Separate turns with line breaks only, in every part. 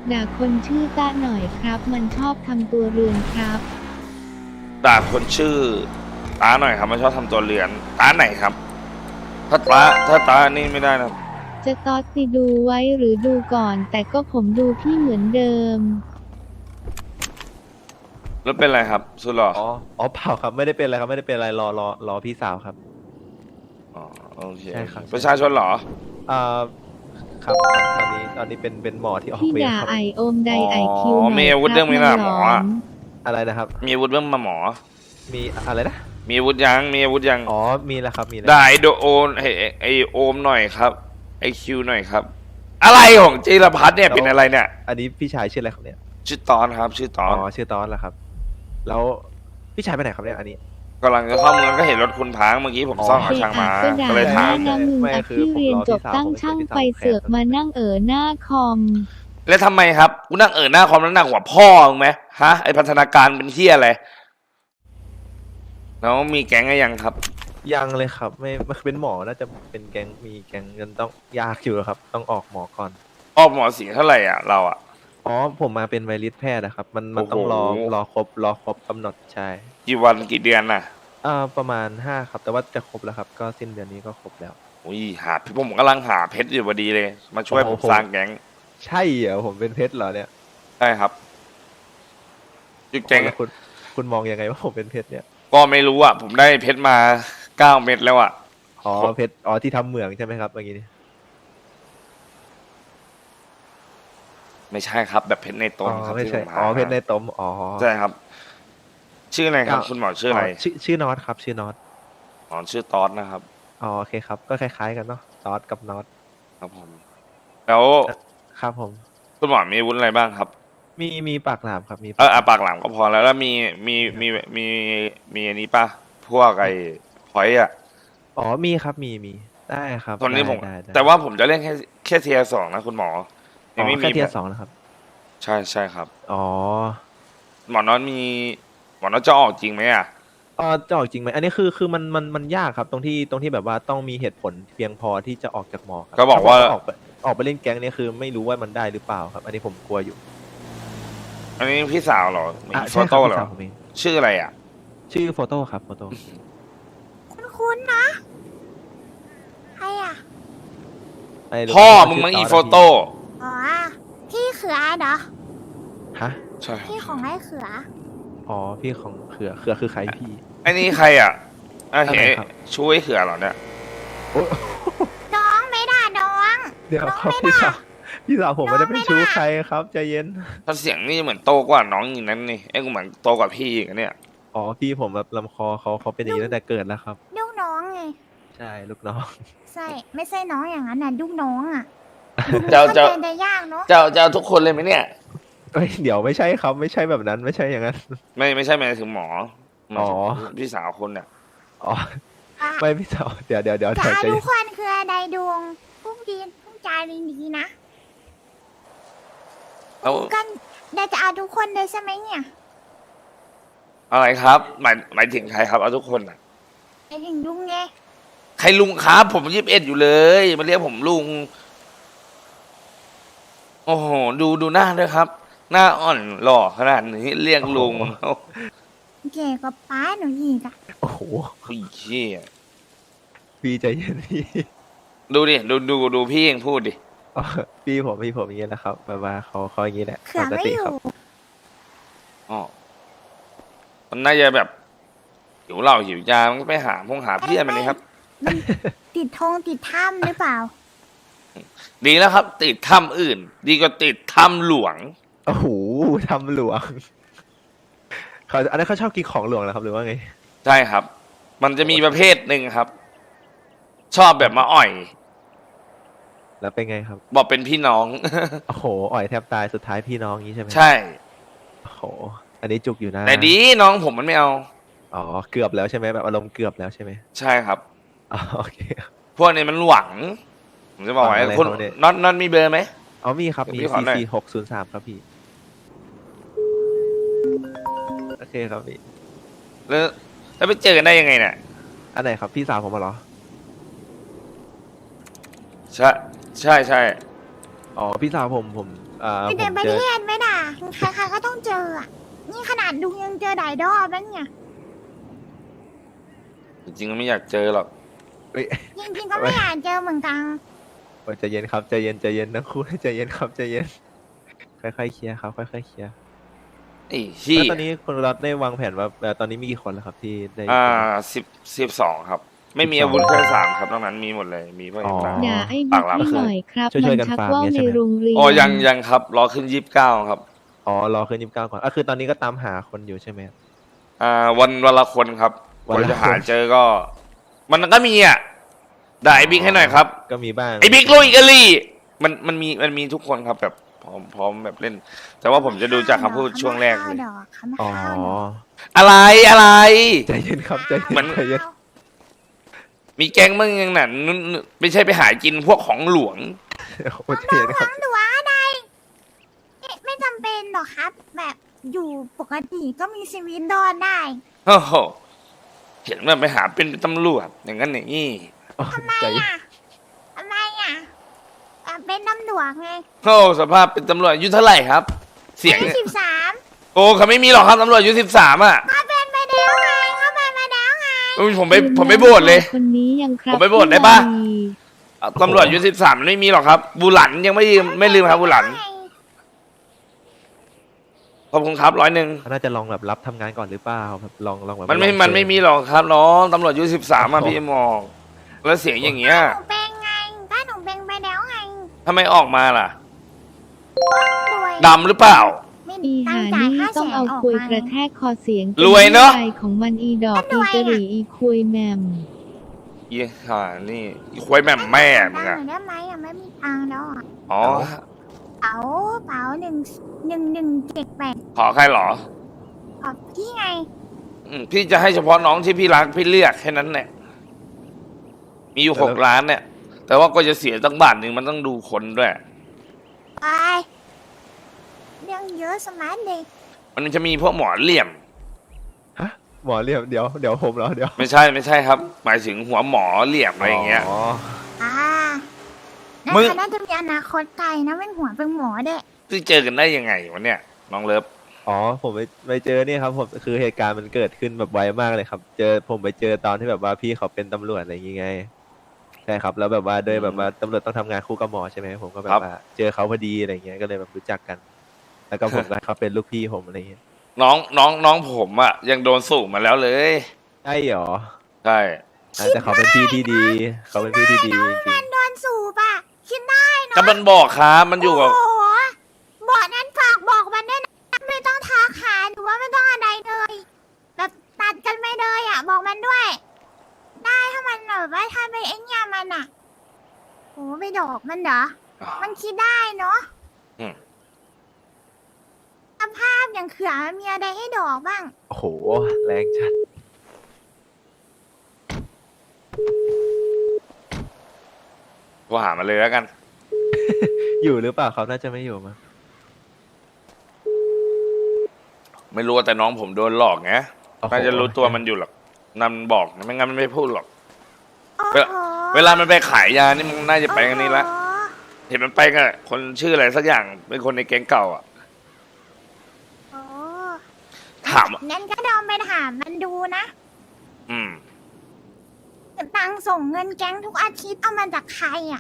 ด่าคนชื่อต้าหน่อยครับ มันชอบทำตัวเรือนครับ
ด่าคนชื่อตาหน่อยครับมันชอบทำตัวเรือนตาไหนครับถ้าตานี่ไม่ได้นะ
จะตอดติดูไว้หรือดูก่อน แต่ก็ผมดูพี่เหมือนเดิม
แล้วเป็นไรครับสุดหล่อ
อ๋อเปล่าครับไม่ได้เป็นอะไรครับไม่ได้เป็นอะไรรอพี่สาวครับ
อ๋อโอเค
ใช่ครับ
ประชาชนเหรอ
อ่าครับตอนนี้เป็นหมอที่ออก
พี่
เวร
ด่า
ครับ
ไอโอมไดไอคิวห
อ๋
น่
อ
อย
มีอาวุธ
ค
เรื่
รั
อบ งนี้นะ
มัน
หมอ
หลอน
อะไรนะครับ
มีอาวุธเรื่องมาหมอ
มีอะไรนะ
มีอาวุธยังมีอาวุธยัง
อ๋อมีแล้วครับมีแล้ว
ด่าไอโดโอนไอโอมหน่อยครับไอคิวหน่อยครับ อะไรของจิรพัฒน์เนี่ยเป็นอะไรเนี่ย
อันนี้พี่ชายชื่ออะไรครับเนี่ย
ชื่อตอนครับ ชื่อตอน
ชื่อตอนแล้วครับ แล้วพี่ชายไปไหนครับเนี่ยอันนี้
กำลังจะเข้าเมืองก็เห็นรถคุณพังเมื่อกี้ผมซ่อม
เอ
กับช่างมา
ก็ด่า
ก็เลยถาม
แม่นะมึง
ไม่
อ่ะ
คือ
พี่
ผม
เรียน
รอ
จ
พี่
บ
สาว
ตั้ง
ผม
ช่าง
พี่สาว
ไป
ผมแคร์
เสือกมานั่งหน้าคอม
แล้วทำไมครับกูนั่งหน้าคอมแล้วหนักกว่าพ่อมึงไหมฮะไอพัฒนาการเป็นเที่ยอะไรแล้วมีแก๊งอะไรยังครับ
ยังเลยครับไม่เป็นหมอน่าจะเป็นแก๊งมีแก๊งกันต้องยากอยู่ครับ ต้องออกหมอก่อน
ออกหมอสีเท่าไหร่อ่ะเราอ่ะ
อ๋อผมมาเป็นไวริสแพทย์นะครับ มัน
โอ้โห
ต้องรอครบกำหนดใช่
กี่วันกี่เดือนน่ะ
ประมาณ5ครับ แต่ว่าจะครบแล้วครับ ก็สิ้นเดือนนี้ก็ครบแล้ว
อุ้ยผมกำลังหาเพชรอยู่พอดีเลย มาช่วยผม
โอ้โห
สร้างแก๊ง
ใช่เหรอผมเป็นเพชรเหรอเนี่ย
ใช่ครับจุดแก๊ง
แล้วคุณมองยังไงว่าผมเป็นเพชรเนี่ย
ก็ไม่รู้อ่ะ ผมได้เพชรมา9 เม็ดแล้วอ่ะ
อ๋อเพชรที่ทำเหมืองใช่ไหมครับเมื่อกี้นี้
ไม่ใช่ครับ แบบเพชรในต้นครับ
ไม่
ที่
ใช่
ผมหา
เพชรในตม
ใช่ครับ ชื่ออะไรครับ
ก็
คุณหมอชื่ออะไร
ชื่อนอตครับชื่อนอต
อ๋อชื่อตอสนะครับ
โอเคครับ ก็คล้ายๆกันเนาะตอสกับนอต
ครับผม แล้ว
ครับผม
คุณหมอมีอาวุธอะไรบ้างครับ
มีปากหลามครับมี
ปากหลังก็พอแล้วแล้วมีอันนี้ป่ะพวกไอ้พอยต์อ่ะ
มีครับมีได้ครับ
ตอนนี้ผม
ได้
แต่ว่าผมจะเล่นแค่เทียร์2นะคุณหมอยังไม่มี
แค่เทียร์สองนะครับ
ใช่ครับ
อ๋อ
หมอน้อยจะออกจริงไหมอ่ะ
จะออกจริงไหมอันนี้คือมันยากครับตรงที่แบบว่าต้องมีเหตุผลเพียงพอที่จะออกจากหมอครับ
ก็บอกว่า
ถ้ออกไปเล่นแก๊งเนี่ยคือไม่รู้ว่ามันได้หรือเปล่าครับ อันนี้ผมกลัวอยู่
อันนี้พี่สาวเหรอมีโฟ
ใช่ครั
โต้
บ
เหร
พี่
อ
สาวผมเอง
ชื่ออะไรอ่ะ
ชื่อโฟโต้ครับโฟโต้
คุ้นๆนะใครอ่ะ
พ่อมึงมั้งอีโฟโต้
อ๋อ พี่เขือเหรอ
ฮะ
ใช่
พี่ของไอ้เขือ
พี่ของเขือคือใครพี่
ไอ้นี่ใครอ่ะเห็
อันไหน
น
ครับ
ช่วยเขือเหรอเนี่ย
โอ้
น้องไม่ด่าน้อง
เดี๋ยว
น้อง
ครับ
ไม่
พี่
ด่า
สาวพี่สาวผมไม่ได้เป็นชู้
น้องไม่ได้
ใครครับใจเย็น
ถ้าเสียงนี่เหมือนโตกว่าน้องอย่างนั้นนี่ไอ้กูเหมือนโตกว่าพี่อีกอะเนี่ย
พี่ผมแบบลำคอเขาเป็นอย่างนี้ตั้งแต่เกิดแล้วครับ
ลูกน้องไง
ใช่ลูกน้อง
ใช่ ไม่ใช่น้องอย่างนั้นน่ะลูกน้องอ่ะ
เจ้า
เข้าใจได้ยากเนาะ
จะเอาทุกคนเลยไหมเนี่ย
เดี๋ยวไม่ใช่ครับไม่ใช่แบบนั้นไม่ใช่อย่างนั้น
ไม่ใช่หมายถึงหมอหมายถึง
อ๋อ
พี่สาวคนเนี่ย
อ๋อ
อ่ะ
ไม่พี่สาวเดี๋ยว
จะ
ใจ
เอา
ใจ
ทุกคนคืออะไรดวงพูดดีพูดจาดีๆนะ
แล้ว
กันเดี๋ยวจะเอาทุกคนเลยใช่ไหมเนี่ย
อะไรครับ หมายถึงใครครับเอาทุกคนอ่ะ
ไอ้ถึงลุงไง
ใครลุงครับผม21อยู่เลยมาเรียกผมลุง โอ้โหดูหน้าด้วยครับ หน้าอ่อนหล่อขนาดนี้เรียกลุงโอ้
เก๋กว่าป้าหนูอีกอ่ะ
โอ้โห
โหเชี่ย
พี่ใจเย็นพี่
ดูดิดูพี่เองพูดดิ
อ๋อพี่ผมอย่างนี้นะครับแบบว่าเขาอย่างนี้แหละ
เขือ
ปก
ไม่
ติ
อ
ครั
ยู่
บ
อ๋อมันน่าจะแบบหิวเหล้าหิวยามันก็ไปหาเพื่อนมันเลยครับ
ติดธงติดถ้ำหรือเปล่า
ดีแล้วครับ ติดถ้ำอื่น ดีกว่าติดถ้ำหลวง
โอ้โหทำหลวงอันนั้นเขาชอบกินของหลวงเหรอครับหรือว่าไง
ใช่ครับ มันจะมีประเภทหนึ่งครับ ชอบแบบมาอ่อย
แล้วเป็นไงครับ
บอกเป็นพี่น้อง
โอ้โหอ่อยแทบตายสุดท้ายพี่น้องอย่างนี้ใช่ไหม
ใช่
โอ้โหอันนี้จุกอยู่นะ
แต่ดีน้องผมมันไม่เอา
อ๋อเกือบแล้วใช่ไหมแบบอารมณ์เกือบแล้วใช่ไหม
ใช่ครับ
อ๋อโอเค
พวกนี้มันหวัง ผมจะบอกไว้
หวังอะไร
คุณ
ครับเนี่ย
น็อตมีเบอร์ไหม
มีครับมี
เดี๋ยวพี่ขอหน่อย
44603ครับพี่โอเคครับพี่
แล้วไปเจอกันได้ยังไงเนี่ย
อันไหนครับพี่สาวผมมาเหรอ
ใช่
พี่สาวผม
ไป
ผ
เดิน
ม
ประ
เจอ
เทศไหมด่ะใครๆก็ต้องเจออ่ะ นี่ขนาดลุงยังเจอหลายรอบแล้วเนี่ย
จริงๆก็ไม่อยากเจอหรอก
เอ้ย
จริงๆก็ไม่อยากเจอเหมือนกัน
ใจเย็นครับใจเย็นใจเย็นทั้งคู่ใจเย็นครับใจเย็นค่อยๆเคลียร์ครับค่อยๆเคลียร์
ไอ้ชี้
แล้วตอนนี้คุณรัฐได้วางแผนว่าตอนนี้มีกี่คนแล้วครับที่ได้
12 ครับ ไม่มีอาวุธแค่3ครับนอกนั้นมีหมดเลยมีพวกเอ็มร้าน
ด่าไอ้
ปา
บิ๊
ก
ก
หลัง
ให้หน่อยครับ
ช่วยๆกัน
ชัก
ฟาร์ม
ว่าว
เนี่ย
ใน
ใช่ไหม
โรงเรียน
อ๋อยังครับรอขึ้น29ครับ
อ๋อรอขึ้น29ก่อนคือตอนนี้ก็ตามหาคนอยู่ใช่ไหม
วันละคนครับ
วัน
ก
ละ
ว่าจะหา
คน
เจอก็ มันก็มีอ่ะด่าไอ้บิ๊กให้หน่อยครับ
ก็มีบ้าง
ไอ้บิ๊กลุยกะลี่มันมีทุกคนครับแบบพร้อมแบบเล่น แต่ว่าผมจะดูจากคำพูดช่วงแรกเลย
เขาไม่
อ๋อ
เข้าดอก
อะไรอะไร
ใจเย็นครับใจเย็น
เหมือน
ใจเย็น
มีแก๊งมึงยังนั่นไม่ใช่ไปหากินพวกของหลวง
โอ้ใจเย็นครับ
หนูว่าอะไรไม่จำเป็นหรอกครับ แบบอยู่ปกติก็มีชีวิตรอดได้
โอ้โหเห็นว่าไปหาเป็นตำรวจอย่างนั้นอย่างนี้
อ๋อ
ทำไม
ใจเย็น
อ่ะทำไมอ่ะเป็นตำรวจไง
โอ้สภาพเป็นตำรวจอายุเท่าไหร่ครับ เสียง
อายุ
เนี่ย
13
โอ้เขาไม่มีหรอกครับตำรวจอายุ13อ่ะ
เขาเป็นไปแล้วไงเขาเป็นไปแล้วไง
อุ๊ยผมไม่โบดเลย
คนนี้ยังครับ
ผมไปโบสถ์ได้ปะ ตำรวจอายุ13มันไม่มีหรอกครับ บูหลันยังไม่ลืมครับบูหลันขอบคุณครับ100
เขาน่าจะลองแบบรับทำงานก่อนหรือเปล่าแบบลองแบบ
มันไม่
ลอง
มันไม่
เจอ
มีหรอกครับน้องตำรวจอายุ13อ่ะพี่มองแล้วเสียงอย่างเงี้ย
หนูเป็นไงก็หนูเป็นไปแล้วไง
ทำไมออกมาล่ะ
รวย
ดำหรือเปล่า
ไม่
อี
ตั้
หาง
จ่าย
นี่
ค่า
ต้อง
แสน
เอา
ออก
คุย
มาก
ระแทกคอเสียง
รวยเนอะ
ป็ของมันอีดอกอีกะหรี่อีคุยแหมม
อีห่านี่อีควายแม่มแม่มึง
ตั
อะ
งค์ได้ไหมอ่ะไม่มีตังค์แล้วอ่ะ
อ๋อ
เป๋า1178
ขอใครเหรอ
ขอบพี่ไง
พี่จะให้เฉพาะน้องที่พี่รักพี่เลือกแค่นั้นแหละมีอยู่6 ล้านเนี่ย แต่ว่าก็จะเสียตั้งบาทหนึ่งมันต้องดูคนด้วย
ไปเรื่องเยอะสมาร์ทเด็ก
มันจะมีพวกหมอเหลี่ยม
ฮะหมอเรียบเดี๋ยวผมเหรอเดี๋ยว
ไม่ใช่ครับ หมายถึงหัวหมอเหลี่ยมอะไรอย่างเงี้ย
อ๋อ
อ่า
มึง
น่าจะมีอนาคตไกลนะเป็นหัวเป็นหมอเด็ก
ที่เจอกันได้ยังไงวะเนี่ยน้องเลิฟ
อ๋อผมไปเจอเนี่ยครับผมคือเหตุการณ์มันเกิดขึ้นแบบไวมากเลยครับ ผมไปเจอตอนที่แบบว่าพี่เขาเป็นตำรวจอะไรอย่างงี้ไงใช่ครับแล้วแบบว่าโดยแบบว่าตำรวจต้องทำงานคู่กับหมอใช่ไหมผมก็แบบว่าเจอเขาพอดีอะไรเงี้ยก็เลยแบบรู้จักกัน แล้วก็ผมก็เขาเป็นลูกพี่ผมอะไรเงี้ย
น้องผมอะยังโดนสูบมาแล้วเลย
ใช่เหรอ
ใช่
แต่เขาเป็นพี่ที่ดีเขาเป็นพี่ที่ดีจริง
โดนสูบอ่ะคิดได้เนาะ
ก็มันบอกครับมันอยู่กับ
โอ้โหบอกนั้นฝากบอกมันด้วยนะไม่ต้องทักหาหรือว่าไม่ต้องอะไรเลยแบบตัดกันไม่เลยอ่ะ บอกมันด้วย ได้ถ้ามันแบบว่าถ้าไปไอ้เนี่ยมันอ่ะโอ้ไปดอกมันเหรอ มันคิดได้เนาะ
อืม
สภาพอย่างเขือมันมีอะไรให้ดอกบ้าง
ๆโอ้โหแรงจัด
ก็หามาเลยแล้วกัน
อยู่หรือเปล่าครับน่าจะไม่อยู่มั้ง
ไม่รู้แต่น้องผมโดนหลอกไง
โอ้โห
น่าจะรู้ตัวมันอยู่หรอกนำบอกนะไม่งั้นมันไม่พูดหรอก
โอ้
เวลา
โห
เวลามันไปขายยานี่มันน่าจะไปกันนี้ละ
โอ้โห
เห็นมันไปกับคนชื่ออะไรสักอย่างเป็นคนในแก๊งเก่าอ่ะ
โอ้
ถาม
งั้นก็ลองไปถามมันดูนะ
อืม
ตังค์ส่งเงินแก๊งทุกอาทิตย์เอามาจากใครอ่ะ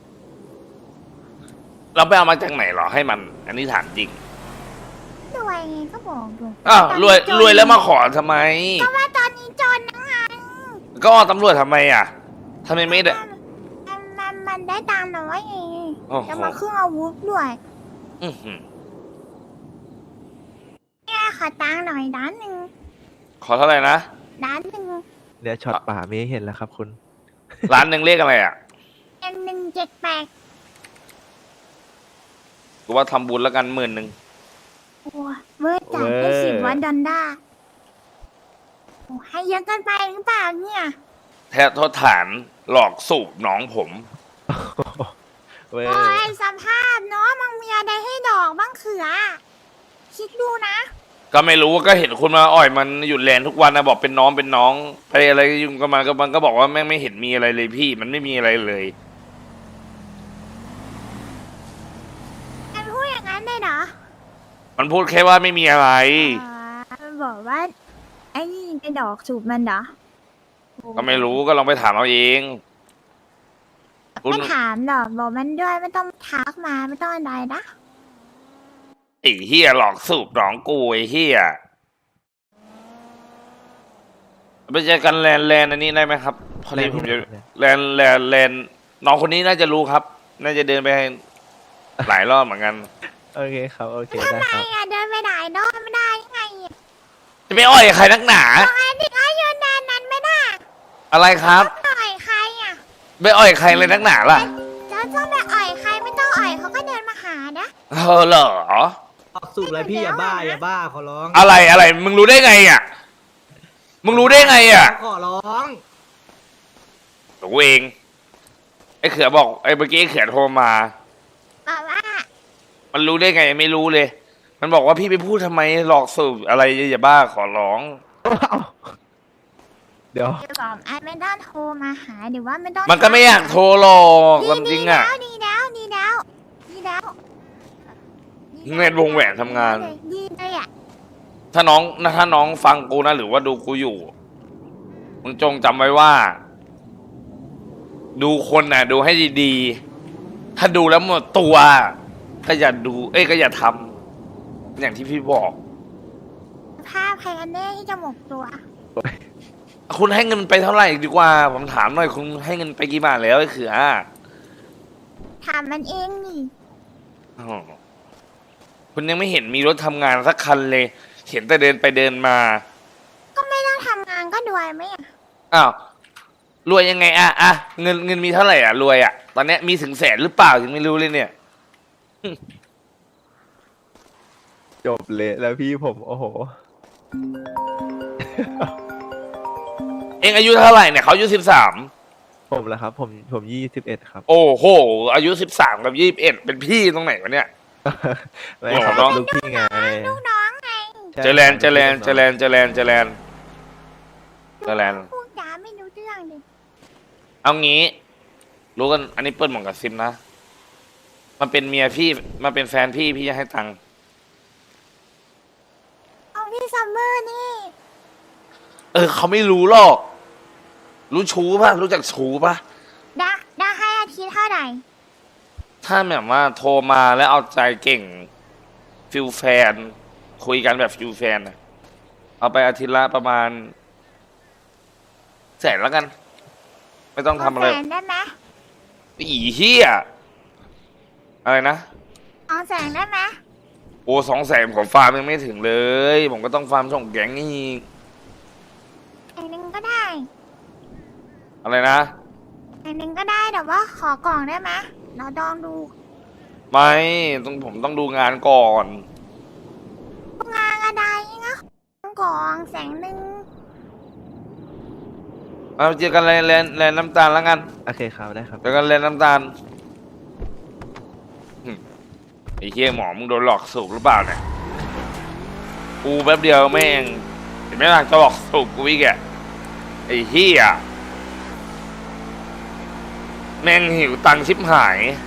เราไปเอามาจากไหนเหรอให้มัน อันนี้ถามจริง
รวยไงก็บอกอยู่
อ้าว
ตอน
รวย
นี้จน
รวยแล้วมาขอทำไม
ก็ว่าตอนนี้จนนะไง
ก็ตำรวจทำไมอ่ะทำไมไม่ได้
มันได้ตังค์น้อยไง
โอ้โห
จะมาเครื่องอาวุธด้วย
อื้อหือ
เนี่ยขอตังค์หน่อยด้านหนึ่ง
ขอเท่าไหร่นะ
ด้านหนึ่ง
เนี่ยช็อตป่าไม่ให้เห็นแล้วครับคุณ
ร้านหนึ่งเลขอะไรอ่ะ
1178
กูว่าทำบุญแล้วกัน10,000
โอ้เมื่อจ่ายไป10 วันดอลลาร์โอ้ให้เยอะเกินไปหรือเปล่าเนี่ย
แท้โทษฐานหลอกสูบน้องผม
เว้ย
โอ้ยสภาพเนาะมันมีอะไรให้ดอกบ้างเขือ คิดดูนะ
ก็ไม่รู้ก็เห็นคุณมาอ่อยมันหยุดแลนทุกวันนะบอกเป็นน้องไปอะไรยุ่งกับมันก็บอกว่าแม่งไม่เห็นมีอะไรเลยพี่ มันไม่มีอะไรเลย
มันพูดอย่างนั้นเหรอ
มันพูดแค่ว่าไม่มีอะไร
มันบอกว่าไอ้นี่กระดอกสูบมันเหรอ
ก็ไม่รู้ก็ลองไปถามเอาเองคุณ
ไม่ถามหรอกบอกมันด้วยไม่ต้องทักมาไม่ต้องอะไรนะ
ไอ้เฮียหลอกสูบหลองกูไอ้เฮียไปเจอกันแลนอันนี้ได้ไหมครับพอดีผมจะแลนน้องคนนี้น่าจะรู้ครับ น่าจะเดินไปหลายรอบเหมือนกัน
โอเคครับโอเค
ทำ
ได้
ไม
ครับ
อ่ะเดินไปไหนโดนไม่ได้ยังไงอ่ะ
จะไม่อ่อยใครนักหนา
ทำไมถึงให้ยืนนานนั้นไม่ได้
อะไรครับ
อ่อยใครอ่ะ
ไม่อ่อยใครเลยนักหนาล่ะ
จะต้องไปอ่อยใครไม่ต้องอ่อยเขาก็เดินมาหานะ
เหรอ
ออกสูบอะไรพี่อย่าบ้าอย่าบ้าขอร้อง
อะไรมึงรู้ได้ไงอ่ะมึงรู้ได้ไงอ่ะ
ขอร้อง
ตัวเองไอ้เขือบอกไอ้เมื่อกี้ไอ้เขือโทรมา
บอกว่า
มันรู้ได้ไงไม่รู้เลย มันบอกว่าพี่ไปพูดทำไมหลอกสูบอะไรอย่าบ้าขอร้อง
เดี๋ยว
จะบอกไอ้ไม่ต้องโทรมาหาหรือว่าไม่ต้อง
มันก็ไม่อยากโทรหรอกความจริงอ่ะ
ดีแล้วดีแล้วดีแล้ว
เงินวงแหวนทำงาน
ดีเลยอ่ะ
ถ้าน้องฟังกูนะหรือว่าดูกูอยู่ มึงจงจำไว้ว่า ดูคนน่ะ ดูให้ดีๆ ถ้าดูแล้วหมดตัว ก็อย่าดู ก็อย่าทำอย่างที่พี่บอก
ภาพใครกันแน่ที่จะหมกตัว
คุณให้เงินไปเท่าไหร่ดีกว่า ผมถามหน่อยคุณให้เงินไปกี่บาทแล้วไอ้เขือ
ถามมันเองนี่
อ๋อคุณยังไม่เห็นมีรถทำงานสักคันเลย เห็นแต่เดินไปเดินมา
ก็ไม่ต้องทำงานก็รวยไหมอ่ะ
อ้าวรวยยังไงเงินมีเท่าไหร่รวยตอนเนี้ยมีถึงแสนหรือเปล่ายังไม่รู้เลยเนี่ย
จบเละแล้วพี่ผมโอ้โห
เองอายุเท่าไหร่เนี่ยเขาอายุ13
ผมแล้วครับ ผม21ครับ
โอ้โห อายุ13กับ21เป็นพี่ตรงไหนวะเนี่ย
ไม่ครับ
น้อง
ลูกพี่ไง
ลูกน้องไง
ใช่
เจริญ
พูดจาไม่รู้เรื่องเลย
เอางี้ รู้กัน อันนี้เปิดหมองกับซิมนะ มันเป็นเมียพี่มันเป็นแฟนพี่จะให้ตังค์
เอาพี่ซัมเมอร์นี่
เขาไม่รู้หรอก รู้ชูป่ะ รู้จักชูป่ะ
ได้ให้อาทิตย์เท่าไหร่
ถ้าแบบว่าโทรมาแล้วเอาใจเก่งฟิลแฟน คุยกันแบบฟิลแฟนนะเอาไปอาทิตย์ละประมาณแสนแล้วกัน ไม่ต้องทำอะไร
200,000ได้ไหม
อีเหี้ยอะไรนะ
200,000ได้ไหม
โอ้200,000ผมฟาร์มยังไม่ถึงเลย ผมก็ต้องฟาร์มส่งแก๊งอีก
อันหนึ่งก็ได้
อะไรนะ
อันหนึ่งก็ได้แต่ว่าขอกล่องได้ไหมเราลองดู
ไม่ผมต้องดูงานก่อน
งานอะไรนะกล่องแสงหนึ่ง
เอาเจอกันแลนน้ำตาลแล้วกัน
โอเคครับได้ครับ
เจอกันแลนน้ำตาลไอ้เหี้ยหมอมึงโดนหลอกสูบหรือเปล่าเนี่ยกูแป๊บเดียวแม่งเห็นไหมล่ะจะหลอกสูบกูอีกอะไอ้เหี้ยแม่งหิวตังค์ชิบหาย